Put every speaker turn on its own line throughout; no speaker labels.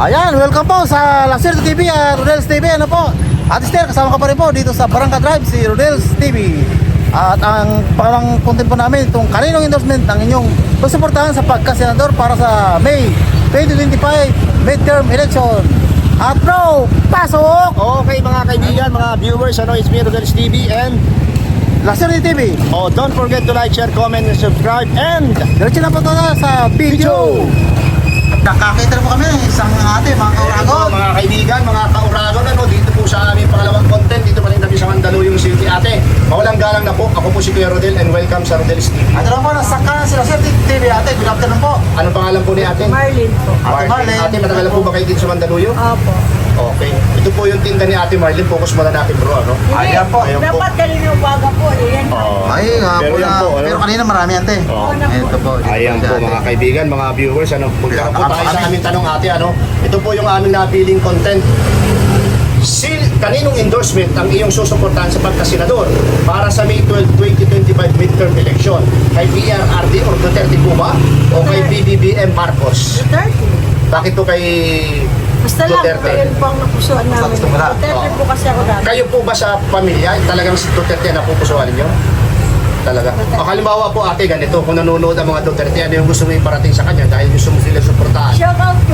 Ayan, welcome po sa Lasir TV at Rodel's TV. Ano po? At Esther, kasama ka pa rin po dito sa Barangka Drive, si Rodel's TV. At ang pangalang content po namin, itong kaninong endorsement ng inyong susuportahan sa pagkasenador para sa May 2025 midterm election. At bro, pasok!
Okay mga kaibigan, mga viewers, it's me Rodel's TV and
Lasir TV.
don't forget to like, share, comment, and subscribe and
Diretso na po tayo sa video. Nakakita na po kami ng isang ate, mga kauragon.
mga kaibigan, mga kauragon, dito po sa aming pangalawang content, dito pa rin kami sa Mandaluyong City. Ate, mawalang galang na po, ako po si Kuya Rodel and welcome sa Rodel's TV.
At ano po, nasa kanan si Lasir TV. Ate, good afternoon po.
Anong pangalan po ni ate?
Marlene po.
Ate Marlene.
Ate, matagal na po ba kayo dito sa Mandaluyong?
Opo.
Okay. Ito po yung tinda ni Ate Marlene. Focus muna natin bro, ano?
Ayan po.
Ayan po.
Dapat kanina umaga po. Yan.
Ay, nga
Pero
po
yan
na.
po, ano?
Pero kanina marami ate.
Oo.
Ito po. dito
Ayan
si
po
ate.
mga kaibigan, mga viewers, punta na po tayo sa
Kami.
aming tanong ate, Ito po yung aming napiling content. Kaninong endorsement ang iyong susuportahan sa pagkasenador para sa May 12, 2025 midterm election? Kay PRRD or Duterte po ba? O kay BBBM Marcos?
Duterte.
Bakit po kay
Basta lang,
Duterte?
yun po ang napusuan namin.
gusto mo na?
Duterte po kasi ako dati.
Kayo po ba sa pamilya, talagang si Duterte na pupusuan ninyo? Talaga. O halimbawa po ate, ganito, kung nanonood ang mga Duterte, ano yung gusto mo iparating sa kanya dahil gusto mo sila suportahan?
Shout out po.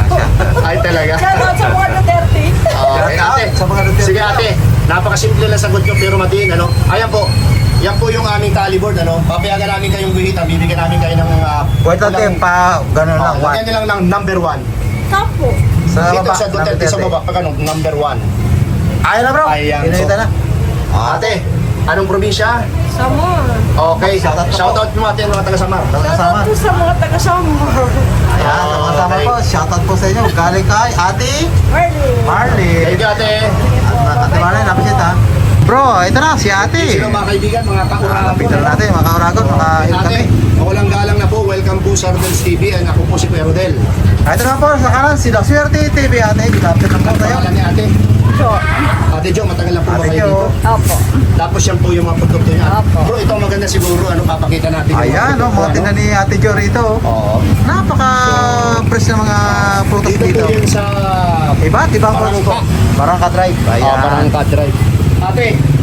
Ay talaga.
Shout out sa mga Duterte.
Okay, ate.
Sa mga Duterte.
Sige ate, napakasimple lang sagot nyo pero matiin, Ayan po, yan po yung aming tally board, Papayagan namin kayong guhitan, bibigyan namin kayo ng...
Wait ate, pa gano'n lang.
lagyan nyo lang ng number 1.
Tapo.
Sa
Dito
baba.
sa Duterte sa baba, pag number 1.
Ayan na bro.
Ayan,
Pinakita
so-
na.
Ate, anong probinsya?
Samor.
Okay,
Shoutout po.
shoutout mo ate mga taga-Samar.
Shout
Kasama.
out po sa mga taga-Samor.
Ayan, sama
Okay.
po. Shoutout po sa inyo. Galing kay ate
Marlene.
Marley.
Thank you ate.
Ate Marley, napakita ha. Bro, ito na si ate.
Sino mga kaibigan, mga kauragan po.
Picture natin, mga kauragon, mga
Ate,
kami.
mawalang galang na po. Welcome po sa Rodel's TV and ako po si Kuya Rodel.
Ito na po, sa kanan, si Lasir TV. Ate, good afternoon po
Ang
tayo.
pangalan ni ate?
So,
Ate Jo, matagal na po ba
Ate
kayo
Jo.
dito?
opo.
Tapos yan po yung mga produkto niya.
Opo.
Bro, ito ang maganda siguro, papakita natin yung
Ayan,
produkto,
mga tinan ni Ate Jo rito.
Oo.
Napaka-fresh na mga prutas
Dito
dito.
po yun sa
Iba't ibang
Barangka.
prutas po. Barangka Drive. Ayan.
Barangka Drive. Ate,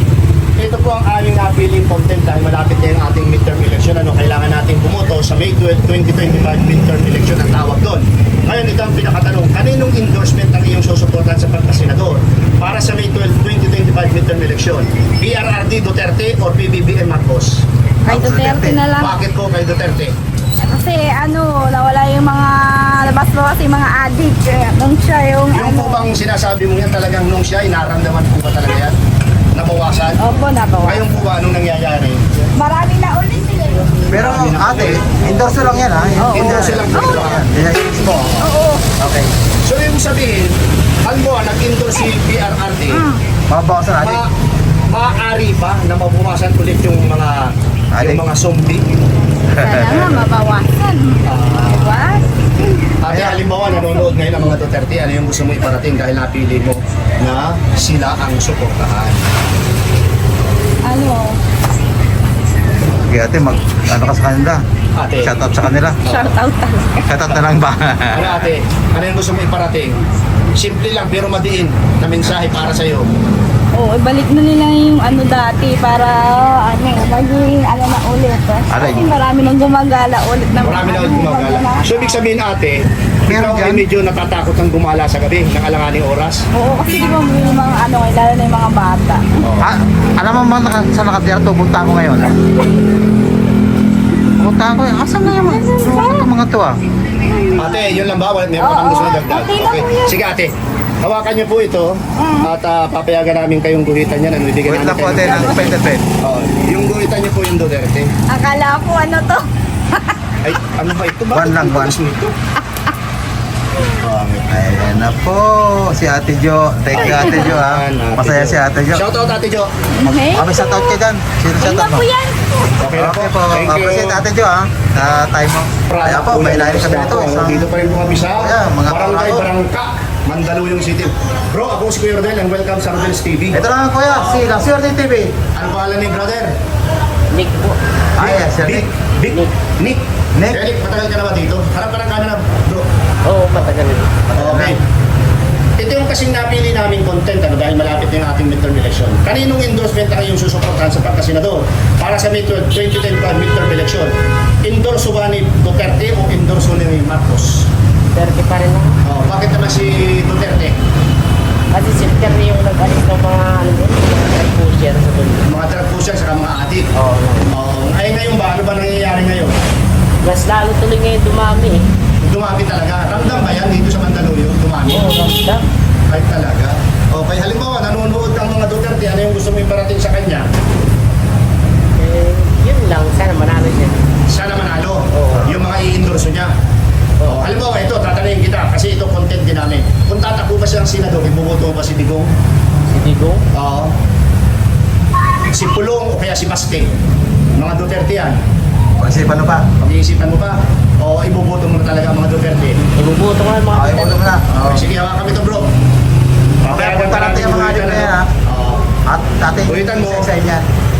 ito po ang aming napiling content dahil malapit na yung ating midterm election. Kailangan natin bumoto sa May 12, 2025 midterm election ang tawag doon. Ngayon, ito ang pinakatanong. Kaninong endorsement ang iyong susuportahan sa pagkasenador para sa May 12, 2025 midterm election? PRRD Duterte or PBBM Marcos?
Kay Duterte na lang.
Bakit po kay Duterte?
Kasi nawala yung mga labas-labas yung mga addict. Kaya nung siya yung
Yung po bang sinasabi mo yan talagang nung siya, inaramdaman po ba talaga yan? Nabawasan?
Opo, nabawa.
Ngayon po ba, anong nangyayari?
Marami na ulit sila.
Pero ate, endorse lang yan ha.
Endorse lang po ito, ha?
Yes po.
Oo.
Okay.
So yung sabihin, halimbawa nag-endorse si PRRD,
Mabawasan natin.
maaari ba na mabuwasan ulit yung mga zombie?
Sana nga mabawasan. Diba?
Ate, halimbawa nanonood ngayon ang mga Duterte, ano yung gusto mo iparating dahil napili mo na sila ang suportahan?
Ano?
Okay ate, ano ka sa kanila?
Ate,
Shoutout sa kanila.
Shout out talaga.
Shoutout na lang ba?
ano ate, ano yung gusto mo iparating? Simple lang pero madiin na mensahe para sa'yo.
Oo, ibalik na nila yung dati para maging na ulit.
Aray.
Kasi marami nang gumagala ulit na
Marami na ulit gumagala. So ibig sabihin ate,
Meron
ikaw ay
dyan?
medyo natatakot ng gumala sa gabi ng alanganing oras.
Oo, kasi di ba may mga lalo na yung mga bata.
Ah, alam mo ba saan nakatira to? Punta ko ngayon. Punta ko eh. Asan na yung mga to ah?
Ate, yun lang ba? Meron ka bang gusto na dagdag?
Okay lang po yan.
Sige ate, hawakan niyo po ito at papayagan namin kayong guhitan yan. Bibigyan
Wait lang
namin
po ate,
kayo ng-
nag-pen.
Oo, yung guhitan niyo po yung Duterte.
Akala ko to.
Ay, ano ba ito?
One lang, one.
Nito?
Ayan na po, si Ate Jo. Thank you Ate Jo ha. Masaya si Ate Jo.
Shoutout Ate Jo.
Okay.
Kami shoutout ka dyan. Sino
Ayun
shoutout
na
mo?
po yan.
Okay na po.
Okay po,
Thank you.
appreciate Ate Jo ha. Sa time mo. Kaya po, may lalim kami nito.
Dito pa rin po kami sa
Ayan, mga
Barangay
kauragon.
Barangka, Mandaluyong City. Bro, ako si Kuya Rodel and welcome sa Rodel's TV.
Ito na kuya, si Lasir TV.
Ano pangalan ni brother?
Nick po.
Ay, yes, sir.
Nick. Nick.
Nick.
Eric, matagal ka na ba dito? Harap ka ng camera, bro.
Oo, matagal na.
Okay. Ito yung kasing napili namin content dahil malapit na yung ating midterm election. Kaninong endorsement ang iyong susuportahan sa pagkasenador para sa May 12, 2025 midterm election? Endorso ba ni Duterte o endorso ni Marcos?
30 pa rin ako.
Bakit naman si Duterte?
Kasi si Terry yung nag-alis ng mga ano yun, mga drug pusher sa doon.
Mga drug pusher saka mga adik.
Oo.
Ay ngayon ba? Ano ba nangyayari ngayon?
Mas lalo tuloy ngayon dumami eh.
Dumami talaga. Ramdam ba yan dito sa Mandaluyong? Dumami?
Oo, ramdam.
Ay talaga. Okay, halimbawa nanonood kang mga Duterte, ano yung gusto mo iparating sa kanya?
Yun lang, sana manalo siya.
Sana manalo.
Oo.
Yung mga i-endorso niya. Halimbawa ito, tatanungin kita kasi ito content din namin. Kung tatakbo ba siyang senador, ibuboto ba si Digong?
Si Digong?
Oo. Si Pulong o kaya si Baste? Mga Duterte yan.
Pag-isipan mo pa.
Pag-iisipan mo pa? O ibuboto mo na talaga ang mga Duterte?
Ibubuto ko lang mga
Okay, mo na.
Okay, sige, hawakan kami ito bro.
Okay, punta natin yung mga adik na yan, ha?
Oo.
At dati,
Ulitan mo.
isa yan.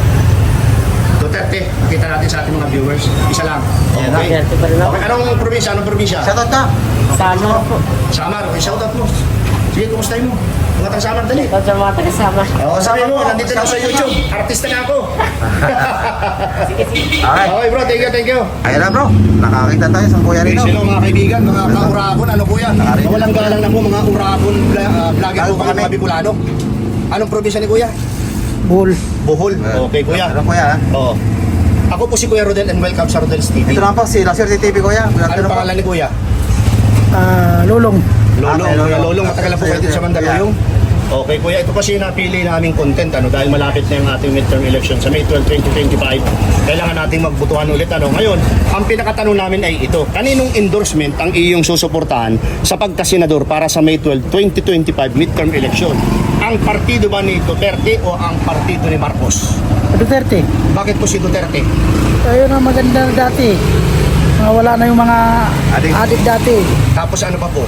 Duterte, kita natin sa ating mga viewers. Isa lang.
Yan,
Okay.
Duterte pa rin ako.
Okay, anong probinsya? Anong probinsya?
Shoutout ka.
Sama po.
Samar. Okay, shoutout mo. Sige, kumustahin mo? Mga taga Samar, dali.
Ikaw sa mga taga-sama.
Oo, sabi mo, nandito na ako sa YouTube. Artista na ako.
Alright.
Okay bro, thank you.
Ayun na bro, nakakita tayo sa Kuya Rino.
Sino mga kaibigan, mga kaurabon, ano po yan?
Nakarinig.
Walang galang na po, mga urabon, vlogger
Galing
po
pa
kami,
kami.
mga Bicolano. Anong probinsya ni Kuya?
Bull.
Bohol. Okay, Kuya.
Ano Kuya, ha?
Oo. Ako po si Kuya Rodel and welcome sa Rodel's TV.
Ito naman po si Laser TV Kuya. Good
Ano
afternoon po.
pangalan ni Kuya?
Ah,
Lolong.
kay
Kuya
Lolong.
Lolong, matagal na po kayo dito sa Mandaluyong. Okay, Kuya, ito kasi yung napili naming content dahil malapit na yung ating midterm election sa May 12, 2025. Kailangan nating magbutuhan ulit. Ngayon, ang pinakatanong namin ay ito. Kaninong endorsement ang iyong susuportahan sa pagkasenador para sa May 12, 2025 midterm election? Ang partido ba ni Duterte o ang partido ni Marcos?
Duterte.
Bakit po si Duterte?
Ayun ang maganda dati. Mga wala na yung mga
Adik.
adik dati.
Tapos ano pa po?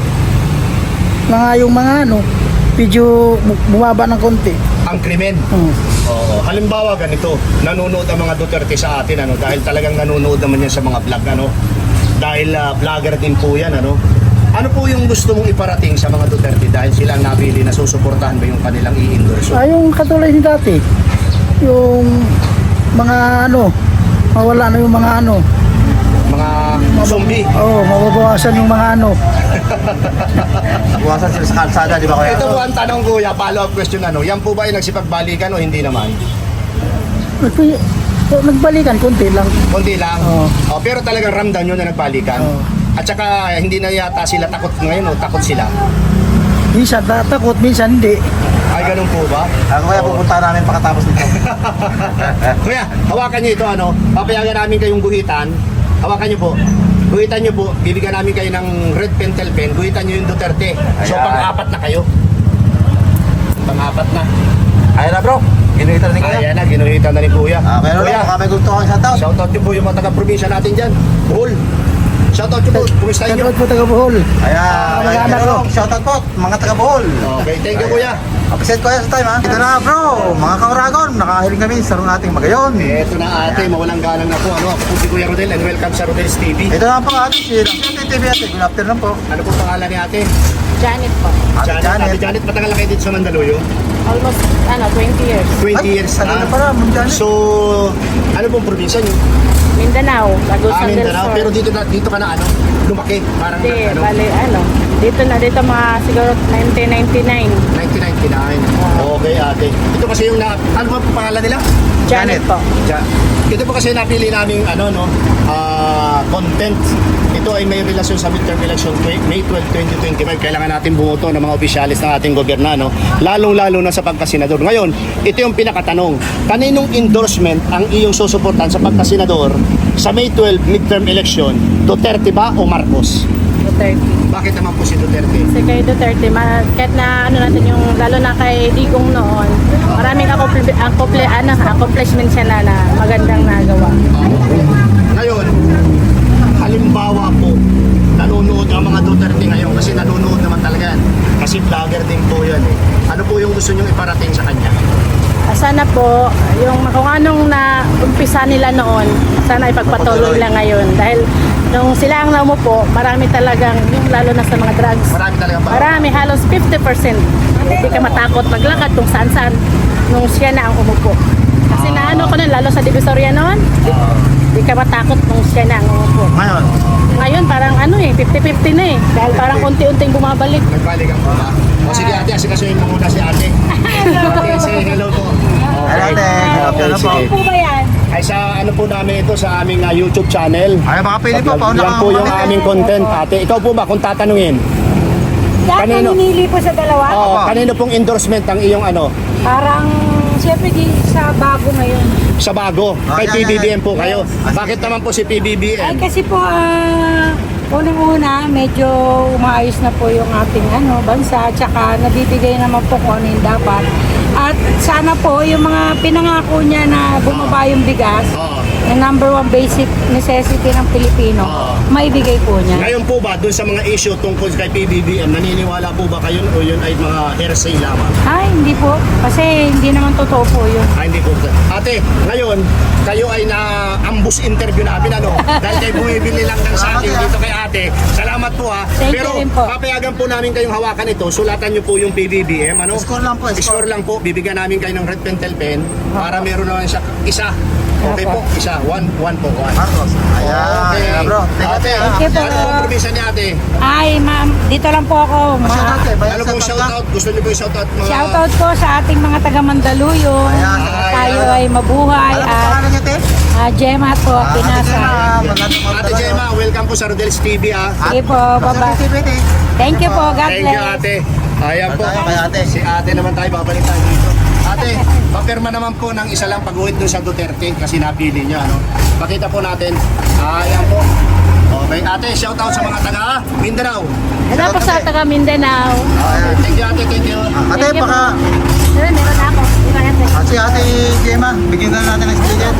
Yung mga ano, medyo bumaba ng konti.
Ang krimen. Oo. Halimbawa ganito, nanonood ang mga Duterte sa atin dahil talagang nanonood naman yan sa mga vlog dahil vlogger din po yan Ano po yung gusto mong iparating sa mga Duterte dahil sila ang napili na susuportahan ba yung kanilang i-endorse?
Yung katulad ni dati. Yung mga ano, mawala na yung mga ano.
Mga zombie.
Mababawasan yung mga ano.
Buwasan sila sa kalsada, di ba Kuya?
Ito po ang tanong Kuya, follow-up question yan po ba ay nagsipagbalikan o hindi naman?
Nagbalikan, konti lang.
Kundi lang.
Oo.
Pero talagang ramdam nyo na nagbalikan.
Oo.
At saka hindi na yata sila takot ngayon o takot sila.
Minsan takot, minsan hindi.
Ay ganun po ba?
Kuya, pupunta namin pagkatapos nito.
Kuya, hawakan niyo ito papayagan namin kayong guhitan. Hawakan niyo po. Guhitan niyo po, bibigyan namin kayo ng red pentel pen. Guhitan niyo yung Duterte. So
Ayan.
pang-apat na kayo. Pang-apat na.
Ayun na bro, ginuhitan ni Kuya.
Ayan na, ginuhitan na ni Kuya.
Okay, Lolo,
Kuya,
baka may gusto kang shoutout.
shoutout niyo po yung mga taga-probinsya natin dyan. Bohol. Shoutout niyo po. Kumustahin niyo?
Shoutout po taga Bohol.
Ayan,
Mag-anak
Lolo,
ko.
shoutout po, mga taga Bohol.
Okay, thank you Kuya.
Appreciate Kuya sa time ha. Ito na bro, mga kauragon, nakahiling kami sa ating magayon.
Ito na ate, mawalang galang na po. Ako po si Kuya Rodel and welcome sa Rodel's TV.
Ito na po ate, si Laser TV ate. Good afternoon po.
Ano po pangalan ni ate?
Janet po.
Ate
Ate
Janet.
Janet, matagal na kayo dito sa Mandaluyong?
Almost, 20 years.
20 years
Tagal
na.
na pala, Ma'am Janet.
So, ano pong probinsya niyo?
Mindanao, Lagusan del
Mindanao.
Sur.
Pero dito ka na lumaki. Parang
Hindi, bali, dito mga siguro 1999.
1999. Okay ate. Ito kasi yung ano ba po pangalan nila?
Janet po.
Ito po kasi napili naming content. Ito ay may relasyon sa midterm election May 12, 2025. Kailangan natin bumoto ng mga opisyalis ng ating gobyerno, lalong-lalo na sa pagkasenador. Ngayon, ito yung pinakatanong. Kaninong endorsement ang iyong susuportahan sa pagkasenador sa May 12 midterm election? Duterte ba o Marcos?
Duterte.
Bakit naman po si Duterte?
Kasi kay Duterte, kahit na natin yung, lalo na kay Digong noon, maraming accomplishment siya na magandang nagawa.
Ngayon, halimbawa po, nanonood ang mga Duterte ngayon kasi nanonood naman talaga yan. Kasi vlogger din po yan Ano po yung gusto nyong iparating sa kanya?
Sana po, yung kung anong na umpisa nila noon, sana ipagpatuloy lang ngayon. Dahil nung sila ang naumupo, marami talagang, yung lalo na sa mga drugs.
Marami talaga pa.
Marami, halos 50%. Hindi ka matakot maglakad kung saan-saan nung siya na ang umupo. Kasi naano ko nun, lalo sa Divisoria noon, hindi ka matakot nung siya na ang umupo.
Ngayon,
Ngayon parang 50-50 na eh. Dahil parang unti-unting bumabalik.
Nagbalik ang pula. O sige ate, asikasuhin mo muna si ate. Ate, say hello po.
ay ate, ano po?
sige.
Po ba yan?
Ay sa ano po namin ito sa aming YouTube channel.
Ay, baka pili po, pauna
Yan
ka
po yung
mamili.
aming content ate. Ikaw po ba kung tatanungin?
Lahat
Kanino?
naninili po sa dalawa.
Oh, kanino pong endorsement ang iyong ano?
Parang, siyempre di sa bago ngayon.
Sa bago. Kay
yan,
PBBM
yan.
po kayo. Bakit naman po si
Ay
PBBM?
kasi po, unang-una, medyo umaayos na po yung ating bansa, tsaka nabibigay naman po kung ano yung dapat. At sana po, yung mga pinangako niya na bumaba yung bigas,
Oo.
na number one basic necessity ng Pilipino, maibigay po niya.
Ngayon po ba, dun sa mga issue tungkol kay PBBM, naniniwala po ba kayo o yun ay mga hearsay lamang?
Ay, hindi po. Kasi hindi naman totoo po yun.
Hindi po. Ate, ngayon, kayo ay na-ambush interview namin, ano? Dahil kayo bumibili lang ng saging dito kay ate. Salamat po ha.
Thank you
Pero
rin po.
papayagan po namin kayong hawakan ito. Sulatan nyo po yung PBBM, ano?
Score lang po,
Score lang po. Bibigyan namin kayo ng red pentel pen para meron naman siya isa. Okay po, isa. One po.
Marcos. Ayan,
Okay.
ayan, bro.
Ate,
Thank you po.
ano po probinsya ni ate?
Ay, ma'am, dito lang po ako.
Shout out eh, bayan
Ano
sa
pong
Tata.
shoutout? Gusto niyo po yung shoutout mga...
Shoutout po sa ating mga taga Mandaluyong.
Ayan,
Tayo ay mabuhay
Ano po
at
pangalan niya, te?
Gemma po,
Ate
Pinasa.
Gemma, magandang
Ate Gemma, welcome po sa Rodel's TV ha.
Sige po, baba. Thank you po, God
Thank you
bless.
ate. Ayan po.
Tayo kay ate.
Si ate naman tayo, babalik tayo dito. Ate, papirma naman po ng isa lang pag-uwit doon sa Duterte kasi napili niya. Ano? Pakita po natin. Ayan po. Okay, ate, shout out sa mga taga Mindanao.
Hello po sa taga Mindanao.
Okay, thank you ate, thank you.
Ate,
Thank you
baka
Meron ako. Di ba natin?
si ate Gemma, bigyan na natin ng sticker.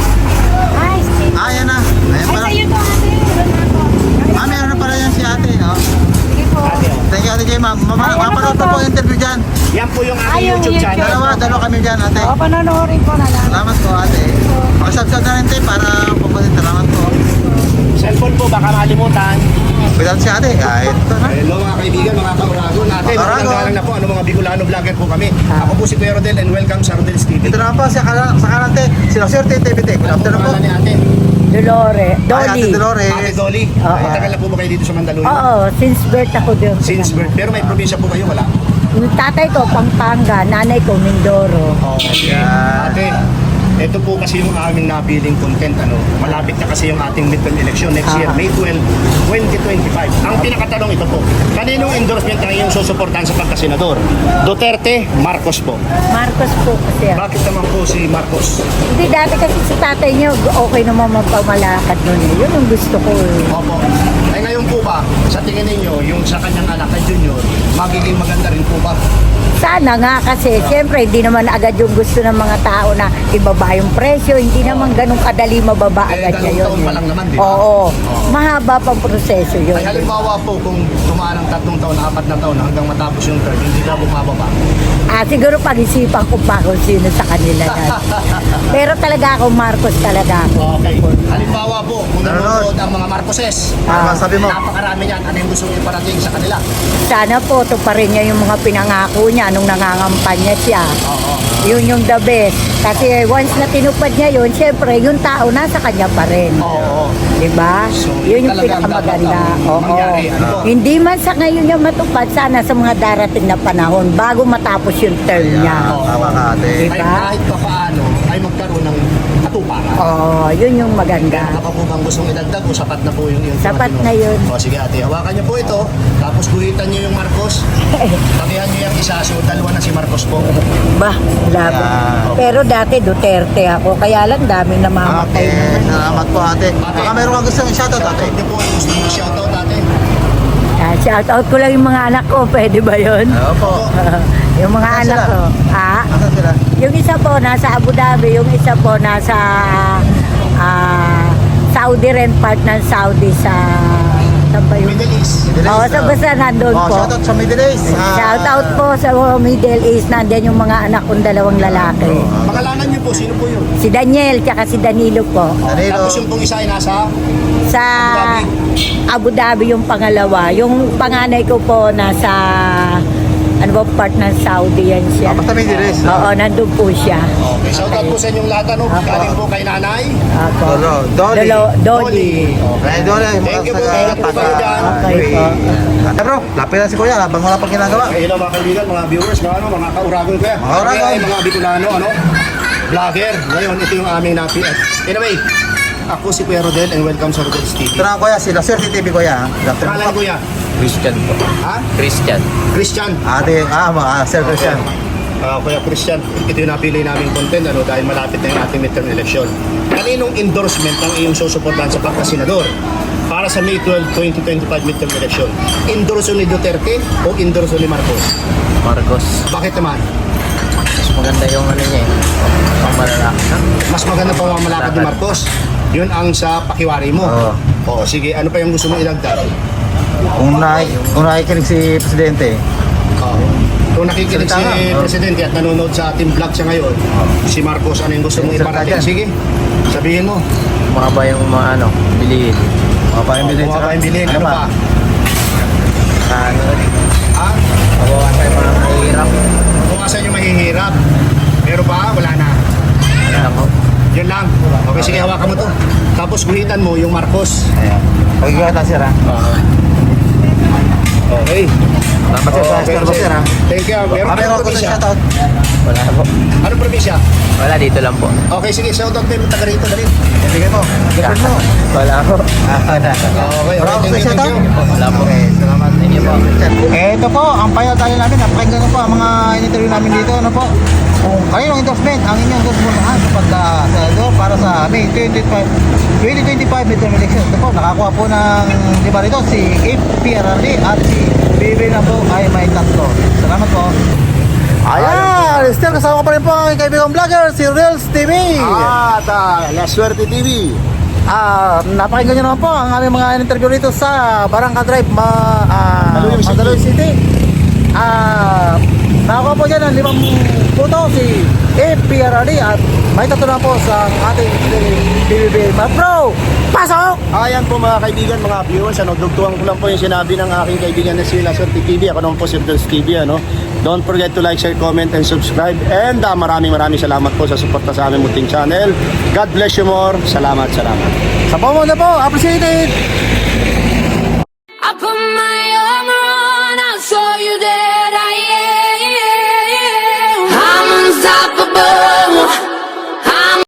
Hi, Steve.
Ayan na. Ayan
Ay,
pala.
sa'yo to ate. Meron ako.
Meron na pala yan si ate. No?
Sige po.
Ate, oh.
Thank you ate Gemma. Mapanood po po yung interview dyan.
Yan po yung
Ay,
aking
yung
YouTube
YouTube.
channel.
Dalawa kami dyan ate.
O, panonorin po na lang.
Salamat po ate. Pakisubscribe na rin tayo para pupunta. Salamat po.
Cellphone po, baka malimutan.
Without si ate, kahit ito na.
Hello mga kaibigan, mga kaurago natin.
Kaurago.
Magandang galang na po, ano mga Bicolano vlogger po kami. Ako po si Kuya Rodel and welcome sa Rodel's TV.
Ito na po sa kanante. Sila Sir TVT. Good
Ano po
afternoon po.
pangalan ni ate?
Dolores.
Ay, ate Dolores.
Ate Dolly.
Oo.
Matagal na po ba kayo dito sa Mandaluyong?
Oo, since birth ako doon.
Since birth. Pero may probinsya po kayo, wala?
Yung tatay ko, Pampanga, nanay ko, Mindoro.
Okay.
Ayan.
Ate, ito po kasi yung aming napiling content. Ano, malapit na kasi yung ating midterm election next year, May 12, 2025. Ang pinakatanong ito po, kaninong endorsement ang iyong susuportahan sa pagkasenador? Duterte, Marcos po.
Marcos po kasi.
Bakit naman po si Marcos?
Hindi dati kasi sa tatay niyo, okay naman magpamalakad nun. Yun ang gusto ko.
Opo. Ay ngayon po ba, sa tingin ninyo, yung sa kanyang anak kay Junior, magiging maganda rin po ba?
Sana nga kasi, siyempre, hindi naman agad yung gusto ng mga tao na ibaba yung presyo. Hindi naman ganun kadali mababa agad
dalawang
ngayon.
taon pa lang naman, di ba?
Oo. Mahaba pang proseso yun.
Ay halimbawa po, kung tumaan ng 3 taon, 4 na taon, hanggang matapos yung term, hindi na bumababa.
Siguro pag-isipan ko pa kung sino sa kanila yan. Pero talaga ako, Marcos talaga ako.
Okay. Halimbawa po, kung nanonood ang mga Marcoses,
Ano sabi mo?
napakarami niyan, ano yung gusto niyo parating sa kanila?
Sana po, tuparin niya yung mga pinangako niya nung nangangampanya siya.
Oo.
Yun yung the best. Kasi once na tinupad niya yun, syempre, yung tao nasa kanya pa rin.
Oo.
Diba?
So,
Yun yung
talagang
pinakamaganda.
dapat
Oo.
mangyari. Ano po?
Hindi man sa ngayon niya matupad, sana sa mga darating na panahon bago matapos yung term niya.
Oo.
Tama ka ate.
Ay
Diba?
kahit pa paano, ay magkaroon ng katuparan.
Oo, yun yung maganda.
Kaya baka po bang gustong idagdag o sapat na po yung
Sapat
tinuturo?
na yun.
O sige ate, hawakan niyo po ito. Tapos guhitan niyo yung Marcos. Tabihan niyo yung isa. So dalawa na si Marcos po.
Bah, labo.
Yeah.
Pero dati Duterte ako, kaya lang dami namamatay
Okay,
naman.
salamat po ate. Baka meron kang gustong i-shoutout ate.
Shoutout niyo po. Gusto niyo shoutout ate.
Shout out ko lang yung mga anak ko, pwede ba yun?
Oo po.
Yung mga
Nasaan
anak
sila?
ko.
Asan sila?
Yung isa po nasa Abu Dhabi, yung isa po nasa Saudi rin, part ng Saudi sa saan ba yun?
Middle East.
Middle
Oo,
East,
sa basta nandun po.
Shoutout sa Middle East.
Shout out po sa Middle East, nandyan yung mga anak kong dalawang lalaki.
Pangalanan niyo po po, sino po yun?
Si Daniel, tsaka si Danilo po.
Danilo.
Tapos yung pong isa ay nasa
Sa Abu Dhabi yung pangalawa. Yung panganay ko po nasa, ano ba, part ng Saudi yan siya.
Basta may dilis.
Oo, nandun po siya.
Okay, shout out po sa inyong lahat, ano? Galing po kay nanay.
Ako.
Dolly.
Dolly.
Okay, Dolly.
Thank you po.
Sa-
Ingat po kayo dyan.
Okay po.
Bro, lapit na si Kuya habang wala pang ginagawa.
Okay, hello mga kaibigan, mga viewers, mga kauragon ko yan.
Mga uragon.
Kaya ay mga Bicolano, vlogger. Ngayon, ito yung aming napi. Anyway, ako si Kuya Rodel and welcome sa Rodel's TV.
Ito na Kuya, si Lacer TV Kuya. Dr.
Pangalan Kuya?
Christian po.
Ha?
Christian.
Christian.
Sir Christian.
Kuya Christian, ito yung napili naming content dahil malapit na yung ating midterm election. Kaninong endorsement ang iyong susuportahan sa pagkasenador para sa May 12, 2025 midterm election? Endorso ni Duterte o endorso ni Marcos?
Marcos.
Bakit naman?
Mas maganda yung ano niya eh. Pamalalaki.
Mas maganda pa mamalakad ni Marcos. Yun ang sa pakiwari mo.
Oo.
Oo, sige, ano pa yung gusto mo ilagdag?
Kung nakikinig si Presidente,
Oo. Kung nakikinig si
Salita nga.
Presidente at nanonood sa ating vlog siya ngayon, si Marcos, ano yung gusto mong
Salita
iparating?
dyan.
Sige, sabihin mo.
Mababa yung mga ano, bilihin.
mga pamimili.
Mga pambilin, ano pa?
Ano,
Ha?
mabawasan yung mga mahirap.
Kung asan yung mahihirap. Pero pa, wala na.
Ano po?
Yun lang. Okay, sige, hawakan mo to. Tapos guhitan mo yung Marcos.
Ayan. Pagkikiwa na sir ha.
Okay.
Dapat sir sa Star Sir ha.
Thank you. Meron
Kami
anong
ako
probinsya?
shoutout.
Wala po.
Anong probinsya?
Wala, dito lang po.
Okay, sige, shoutout tayo taga rito, dali.
Bigay mo. Bigay mo.
Wala po.
Wala.
Okay,
Wala ako
thank you,
sa
thank you.
Wala po.
Okay, salamat.
Thank you po.
Ito po, ang tayo namin. Napakinggan ko po ang mga in-interview namin dito. Ano po? Kung kaninong endorsement ang inyong susuportahan sa pagka-senador para sa May 2025 midterm election. Ito po, nakakuha po ng lima rito si APRRD at si BB na po ay may tatlo. Salamat po. Ayan! Still kasama ko pa rin po ang aking kaibigang vlogger, si Reels TV.
At La Suerte TV.
Napakinggan nyo naman po ang aming mga interview rito sa Barangka Drive,
Mandaluyong City.
Mandaluyong City. Nakakuha po dyan ng 5 puto si APRRD at may tatlo na po sa ating BBB. Bro, pasok!
Ayan po mga kaibigan, mga viewers, dugtuhan ko lang po yung sinabi ng aking kaibigan na si La Suerte TV. Ako naman po si Rodel's TV, Don't forget to like, share, comment, and subscribe. And maraming salamat po sa suporta sa aming munting channel. God bless you more. Salamat.
Sa pomondo po, appreciated!
I put my armor on, I saw you that I am. I'm unstoppable.